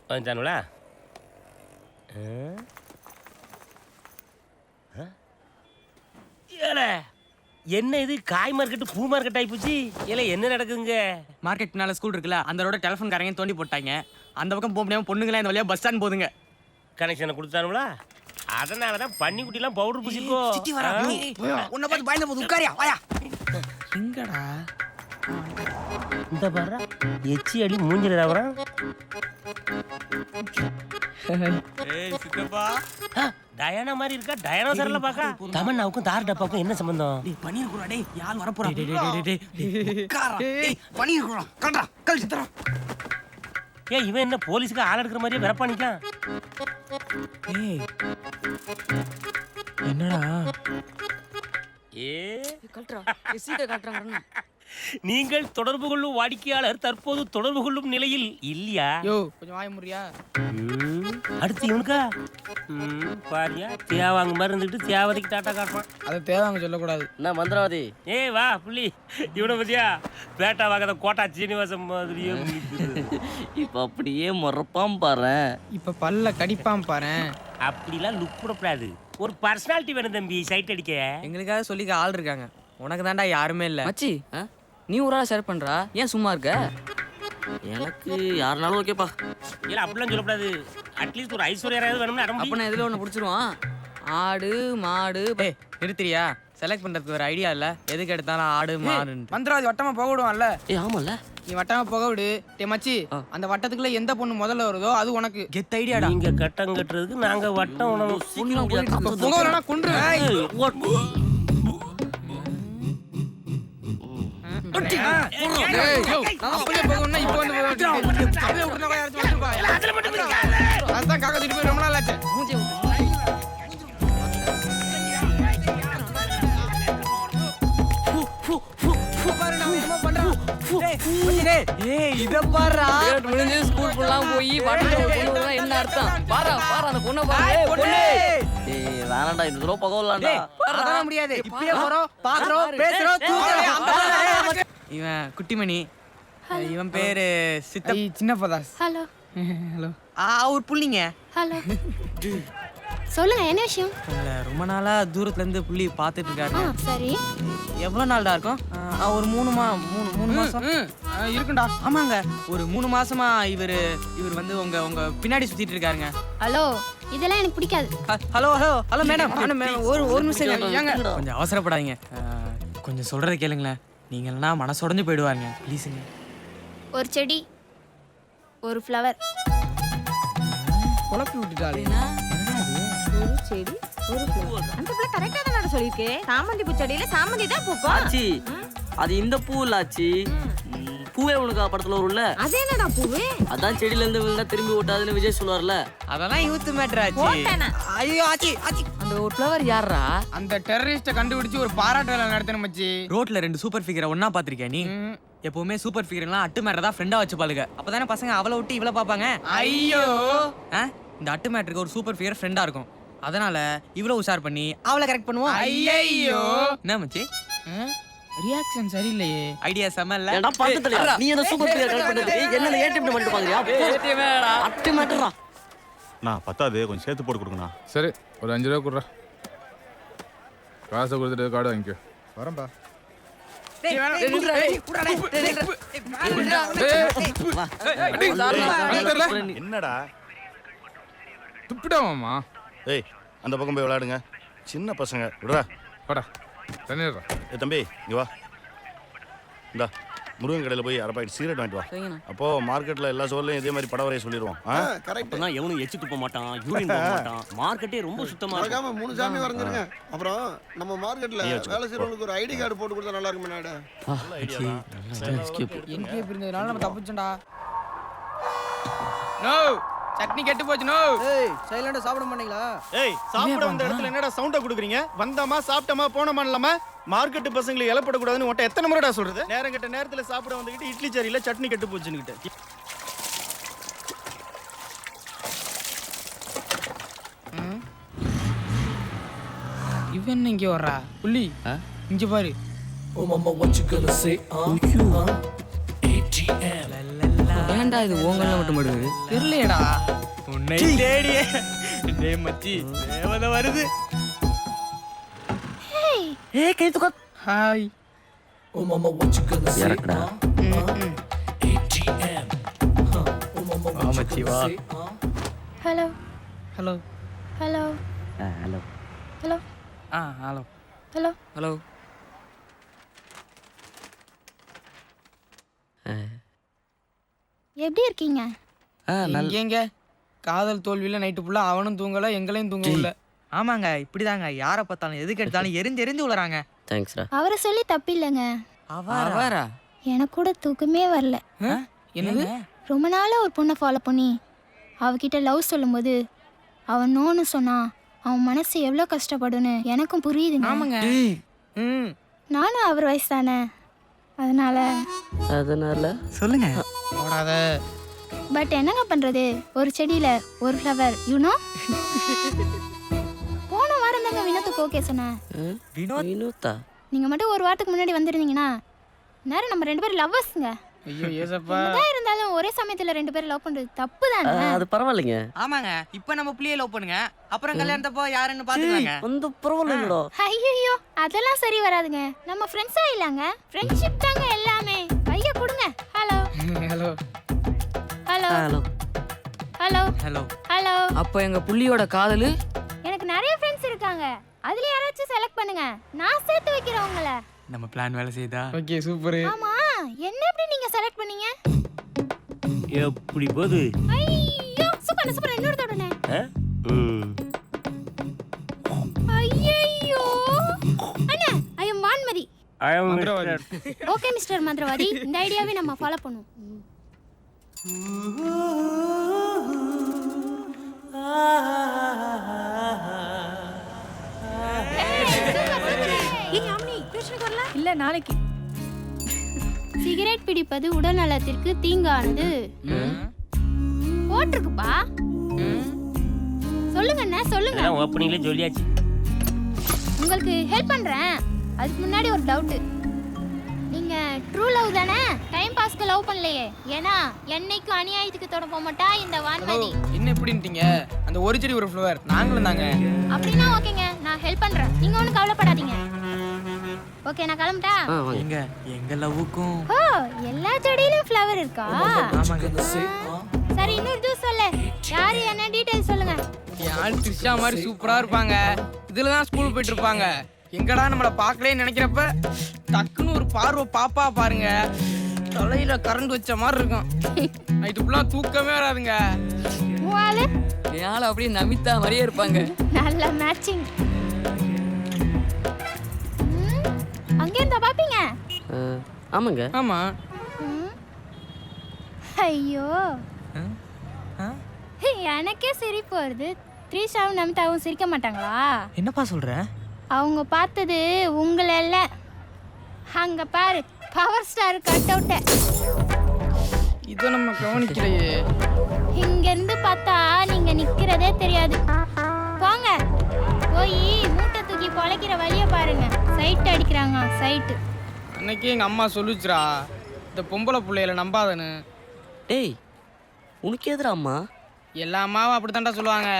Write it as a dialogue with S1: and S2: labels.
S1: வந்துட்டானுங்களா? என்ன இது காய் மார்க்கெட்டு பூ மார்க்கெட் ஆயிப்போச்சு. இல்ல என்ன நடக்குதுங்க?
S2: மார்க்கெட் பின்னால ஸ்கூல் இருக்குல்ல, அந்த ரோட டெலிஃபோன் காரங்க தோண்டி போட்டாங்க. அந்த பக்கம் போக முடியாம பொண்ணுங்களே இந்த வழியா பஸ் ஸ்டாண்ட் போதுங்க.
S1: கனெக்ஷனை கொடுத்தானுங்களா? அதனாலதான் பன்னிக்குட்டிலாம் பவுடர் பூசிக்கோ.
S2: உன்னை பார்த்து பயந்த போது உட்காரியா வாயா. எங்கடா
S1: இந்த பாரு எச்சி அடி மூஞ்சில வரான்.
S2: ஏய் சித்தப்பா,
S1: டயானா மாதிரி இருக்கா? டயனோசர்ல பாக்கா. தமன்னாவுக்கும் தார் டப்பாவுக்கும் என்ன சம்பந்தம்?
S2: டேய் பனீர் குறா, டேய் யார் வர போறா? டேய் உட்காரா. டேய் பனீர் குறா கண்டா கல் சித்தரா.
S1: ஏய் இவன் என்ன போலீஸ்க்கு ஆள் எடுக்கிற மாதிரியே வெறப்பானிக்கான்?
S2: ஏய் என்னடா?
S1: ஏ
S3: கல்ட்ரா சீட்டை காட்டுறாங்க.
S1: நீங்கள் தொடர்பு கொள்ளும் வாடிக்கையாளர் தற்போது தொடர்பு கொள்ளும் நிலையில் இல்லையா?
S2: யோ கொஞ்சம் வாய முறியா.
S1: அடுத்து இவனுக்கா? பாரியா தேவாங்க மாதிரி இருந்துட்டு தேவதைக்கு டாட்டா காட்டுறான்.
S2: அதை தேவாங்க சொல்லக்கூடாது.
S3: என்ன மந்திரவாதி?
S1: ஏய் வா புள்ளி, இவனை பத்தியா பேட்டா வாங்காத கோட்டா சீனிவாசம் மாதிரியே
S3: இப்ப அப்படியே முறப்பாம் பாரு.
S2: இப்ப பல்ல கடிப்பாம் பாரு.
S1: அப்படிலாம் லுக் போடக்கூடாது. ஒரு பர்சனாலிட்டி வேணும் தம்பி சைட் அடிக்க.
S2: எங்களுக்காக சொல்லிக்க ஆள் இருக்காங்க, உனக்கு தான்டா யாருமே இல்ல.
S3: மச்சி நீ ஒரு ஆள் ஷேர் பண்றா, ஏன் சும்மா இருக்க? எனக்கு யாருனாலும் ஓகேப்பா.
S1: இல்ல அப்படிலாம் சொல்லக்கூடாது. அட்லீஸ்ட் ஒரு ஐஸ்வர்யாவது வேணும்னு அடம்.
S3: அப்ப நான் எதுல ஒண்ணு பிடிச்சிருவான். ஆடு மாடு.
S2: ஏய் நிறுத்துறியா? செலக்ட் பண்றதுக்கு ஒரு ஐடியா இல்ல, எதுக்கு எடுத்தாலும் ஆடு மாடு. மந்திரவாதி வட்டமா போக விடுவான்ல.
S3: ஏய் ஆமால,
S2: நீ வட்டமா போக விடு. டே மச்சி, அந்த வட்டத்துக்குள்ள எந்த பொண்ணு முதல்ல வருதோ அது உனக்கு. கெத் ஐடியாடா.
S1: நீங்க கட்டம் கட்டுறதுக்கு நாங்க வட்டம் உணவு
S2: போகலனா கொன்று. அப்படியே போகணும்னா இப்போ வந்து அப்படியே விட்டுனா யாராச்சும் வந்துருப்பா. அதான் காக்கா திட்டு போய் ரொம்ப நாள் ஆச்சு.
S3: ஸ்கூல் ஃபுல்லாம் போய் வட்டத்துல என்ன அர்த்தம்? பாரா பாரா அந்த பொண்ணை பாரு. ஏய் வேணாம்டா, இந்த தடவை பகவலாம்டா.
S2: அதெல்லாம் முடியாது. இப்பயே போறோம், பாக்குறோம், பேசுறோம், தூக்குறோம். இவன் குட்டிமணி, இவன் பேரு சித்தப்பா சின்னப்பதாஸ்.
S4: Hello
S2: hello. ஒரு புள்ளிங்க.
S4: ஹலோ சொல்லுங்க, என்ன விஷயம்?
S2: உங்களை ரொம்ப நாளா தூரத்துல இருந்து புள்ளி பாத்துட்டு இருக்காரு.
S4: சரி,
S2: எவ்வளவு நாள்டா இருக்கும்? ஒரு மூணு மாசம் இருக்கும்டா. ஆமாங்க, ஒரு 3 மாசமா இவர் வந்து உங்க பின்னாடி சுத்திட்டு இருக்காருங்க.
S4: ஹலோ இதெல்லாம் எனக்கு பிடிக்காது.
S2: ஹலோ ஹலோ ஹலோ மேடம், ஒரு நிமிஷம் கொஞ்சம் அவசரப்படாதீங்க. கொஞ்சம் சொல்றதை கேளுங்களேன். நீங்க இல்லைன்னா மனசொடைஞ்சு போயிடுவாருங்க. ப்ளீஸுங்க.
S4: ஒரு செடி, ஒரு ஃப்ளவர்.
S2: குழப்பி விட்டுட்டாலே.
S5: ஒரு செடி ஒரு பூ. அந்த பிள்ளை கரெக்டா தான் சொல்லிருக்கே. சாமந்தி பூ செடியில சாமந்தி தான் பூக்கும்.
S3: ஆச்சி அது இந்த பூ இல்ல ஆச்சி, பூவே உனக்கு படத்துல வரும்ல,
S5: அது என்னடா பூவே?
S3: அதான் செடியில இருந்து விழுந்தா திரும்பி ஓட்டாதுன்னு விஜய் சொல்லுவார்ல.
S2: அதெல்லாம் யூத் மேட்டர் ஆச்சு. ஐயோ ஆச்சி ஆச்சி,
S3: அந்த ஒரு ஃப்ளவர் யாரா?
S2: அந்த டெரரிஸ்ட கண்டுபிடிச்சு ஒரு பாராட்டு வேலை நடத்தணும் மச்சி. ரோட்ல 2 சூப்பர் ஃபிகரை ஒண்ணா பாத்திருக்கியா நீ? எப்பவுமே சூப்பர் ஃபிகர்லாம் அட்டு மேட்டர் தான் ஃப்ரெண்டா வச்சு பாளுங்க. அப்பதானே பசங்க அவளை விட்டு இவளை பாப்பாங்க. ஐயோ இந்த அட்டு மேட்டருக்கு ஒரு சூப்பர் ஃபிகர் ஃப்ரெண்டா இருக்கும். அதனால இவ்வளவு உஷார் பண்ணி அவளை கரெக்ட் பண்ணுவோம். ஐயோ என்ன மச்சி, ரியாக்ஷன் சரியில்லையே. ஐடியா செமல்ல.
S3: ஏடா பக்கத்துல நீ என்ன சூப்பர் பிளேயர் கரெக்ட் பண்ணிட்டு என்ன ஏடிஎம் பண்ணிட்டு பாக்குறியா? ஏடிஎம்டா அட்டு மேட்டரா.
S6: நான் பத்தாது, கொஞ்சம் சேர்த்து போட்டு கொடுங்கண்ணா.
S7: சரி, ஒரு 5 ரூபா கொடுறா. காசை கொடுத்துட்டு கார்டு வாங்கிக்கோ. வரேன்பா.
S6: என்னடா
S7: துப்பிடாமாம்மா?
S6: ஏய் அந்த பக்கம் போய் விளையாடுங்க, சின்ன பசங்க விடுறா.
S7: வாடா தண்ணிடுறா.
S6: தம்பி இங்க வா. இந்தா முருகன் கடையில் போய் அரை பாக்கெட் சிகரெட் வாங்கிட்டு வா. அப்போ மார்க்கெட்ல எல்லா சோர்லையும் இதே மாதிரி படம் வரைய சொல்லிடுவோம்.
S1: அப்பதான் எவனும் எச்சு துப்ப மாட்டான், யூரின் போக மாட்டான். மார்க்கெட்டே ரொம்ப சுத்தமா இருக்கும்.
S8: 3 சாமி வரைஞ்சிருங்க. அப்புறம் நம்ம மார்க்கெட்ல வேலை செய்யறவங்களுக்கு ஒரு ஐடி கார்டு போட்டு கொடுத்தா நல்லா இருக்கும். நாடா
S6: நல்ல ஐடியா தான்.
S2: என்கே இருந்ததுனால நம்ம தப்பிச்சோம்டா. நோ சட்னி கெட்டு போச்சு. நோ.
S8: ஏய் சைலண்டா சாப்பிட மாட்டீங்களா?
S9: ஏய் சாப்பிட வந்த இடத்துல என்னடா சவுண்டா குடுக்குறீங்க? வந்தமா சாப்பிட்டமா போனமா இல்லாம மார்க்கெட் பசங்களுக்கு இலப்பட கூடாதுன்னு உன்ட்ட எத்தனை முறைடா சொல்றது? நேரம் கெட்ட நேரத்துல சாப்பிட வந்துகிட்டு இட்லி சரியில்லை சட்னி கெட்டு போச்சுன்னுகிட்டு.
S2: இவன் இங்க வர்றா புள்ளி. இங்க பாரு.
S10: Oh mama, what you gonna say? You ATM.
S3: ஏன்டா இது ஓங்கல்ல மட்டும் படுது
S2: தெரியலடா உன்னை தேடியே டேய் மச்சி தேவதை வருது.
S3: ஏய் கை தூக்க
S2: ஹாய்
S3: இறக்குடா
S2: வா மச்சி வா.
S4: Hello
S2: hello
S4: hello
S3: hello
S4: hello
S2: hello
S4: hello
S3: hello
S4: எப்படி இருக்கீங்க?
S2: எங்க காதல் தோல்வியில நைட்டு ஃபுல்லா அவனும் தூங்கல எங்களையும் தூங்கல. ஆமாங்க இப்படிதாங்க யாரை பார்த்தாலும் எதுக்கு எடுத்தாலும் எரிஞ்சு எரிஞ்சு விழுறாங்க.
S3: தேங்க்ஸ்டா
S4: அவரை சொல்லி தப்பு இல்லைங்க.
S2: அவரா
S4: எனக்கு கூட தூக்கமே வரல.
S2: என்னது
S4: ரொம்ப நாளாக ஒரு பொண்ணை ஃபாலோ பண்ணி அவகிட்ட லவ் சொல்லும்போது அவன் நோன்னு சொன்னா அவன் மனசு எவ்வளோ கஷ்டப்படுன்னு எனக்கும் புரியுதுங்க.
S2: ஆமாங்க
S4: நானும் அவர் வயசு தானே,
S3: அதனால
S2: சொல்லுங்க போடாத.
S4: பட் என்னங்க பண்ணுறது, ஒரு செடியில் ஒரு ஃப்ளவர் யூனோ. போன வாரம் தாங்க வினோத்துக்கு ஓகே சொன்னேன்.
S3: வினோத்தா
S4: நீங்கள் மட்டும் ஒரு வாரத்துக்கு முன்னாடி வந்திருந்தீங்கன்னா நேரம் நம்ம 2 பேரும் லவ்வர்ஸுங்க.
S2: ஐயோ ஏசப்பா.
S4: என்னதான் இருந்தாலும் ஒரே சமயத்தில் 2 பேரும் லவ் பண்ணுறது தப்பு தானே.
S3: அது பரவாயில்லைங்க.
S2: ஆமாங்க இப்போ நம்ம பிள்ளைய லவ் பண்ணுங்க, அப்புறம் கல்யாணத்தப்போ யாருன்னு பாத்துக்கலாங்க.
S3: அந்த பரவாயில்லைங்களோ.
S4: ஐயோ அதெல்லாம் சரி வராதுங்க. நம்ம ஃப்ரெண்ட்ஸா இல்லங்க, ஃப்ரெண்ட்ஷிப் தாங்க எல்லாமே. கையை கொடுங்க. Hello
S2: hello
S4: hello
S3: hello
S4: hello
S2: hello
S4: hello.
S3: அப்ப எங்க புள்ளியோட காதலு
S4: எனக்கு நிறைய ஃப்ரெண்ட்ஸ் இருக்காங்க, அதுல யாராச்சும் செலக்ட் பண்ணுங்க, நான் சேர்த்து வைக்கிறேன் உங்களை.
S2: நம்ம பிளான் வேலை செய்தா. Okay super.
S4: ஆமா என்ன எப்படி நீங்க செலக்ட் பண்ணீங்க?
S1: எப்படி போகுது?
S4: ஐயோ சூப்பர் சூப்பர். இன்னொரு தொடனே. ஐயோ அண்ணா I am Vanmathi. Okay mister மந்திரவாதி, இந்த ஐடியாவை நம்ம ஃபாலோ பண்ணுவோம்.
S5: இல்ல நாளைக்கு.
S4: சிகரெட் பிடிப்பது உடல் நலத்திற்கு தீங்கானது போட்டிருக்குப்பா. சொல்லுங்க அண்ணா சொல்லுங்க.
S1: ஓப்பனிங்ல சொல்லியாச்சு.
S4: உங்களுக்கு ஹெல்ப் பண்றேன். அதுக்கு முன்னாடி ஒரு டவுட். நீங்க ட்ரூ லவ் தானே, டைம் பாஸ்க்கு லவ் பண்ணலையே? ஏன்னா என்னைக்கும் அநியாயத்துக்கு தொட போக மாட்டா இந்த வான்மதி.
S2: என்ன எப்படின்ட்டீங்க? அந்த ஒரு செடி ஒரு ஃப்ளவர் நாங்களும் தாங்க.
S4: அப்படின்னா ஓகேங்க, நான் ஹெல்ப் பண்றேன், நீங்க ஒன்றும் கவலைப்படாதீங்க. ஓகே நான் கிளம்பிட்டா.
S2: எங்க எங்க லவ்வுக்கும்
S4: ஓ எல்லா செடியிலும் ஃப்ளவர் இருக்கா?
S2: ஆமாங்க.
S4: சரி இன்னொரு ஜூஸ் சொல்லு. யாரு என்ன டீடைல் சொல்லுங்க.
S2: யார் த்ரிஷா மாதிரி சூப்பரா இருப்பாங்க, இதுல தான் ஸ்கூல் போயிட்டு இருப்பாங்க. எங்கடா நம்மள பார்க்கலன்னு நினைக்கிறப்ப டக்குன்னு ஒரு பார்வை பாப்பா பாருங்க, தலையில கரண்ட் வச்ச மாதிரி இருக்கும். நைட்டு ஃபுல்லா தூக்கமே வராதுங்க.
S4: மூவாலு
S3: என் ஆள் அப்படியே நமிதா மாதிரியே இருப்பாங்க.
S4: நல்ல மேட்சிங். அங்கே இருந்தா பாப்பீங்க.
S3: ஆமாங்க.
S2: ஆமா.
S4: ஐயோ எனக்கே சிரிப்பு வருது. த்ரிஷாவும் நமிதாவும் சிரிக்க மாட்டாங்களா?
S2: என்னப்பா சொல்ற?
S4: அவங்க பார்த்தது உங்களை இல்ல, அங்க பாரு பவர் ஸ்டார் கட் அவுட்ட.
S2: இதை நம்ம கவனிக்கலையே.
S4: இங்க இருந்து பார்த்தா நீங்க நிக்கிறதே தெரியாது. போங்க போய் மூட்டை தூக்கி பொழைக்கிற வழிய பாருங்க. சைட் அடிக்கிறாங்க சைட்டு.
S2: அன்னைக்கு எங்க அம்மா சொல்லுச்சுரா, இந்த பொம்பளை பிள்ளையில நம்பாதன்னு.
S3: டேய் உனக்கு எதிரா அம்மா?
S2: எல்லா அம்மாவும் அப்படித்தான்டா சொல்லுவாங்க.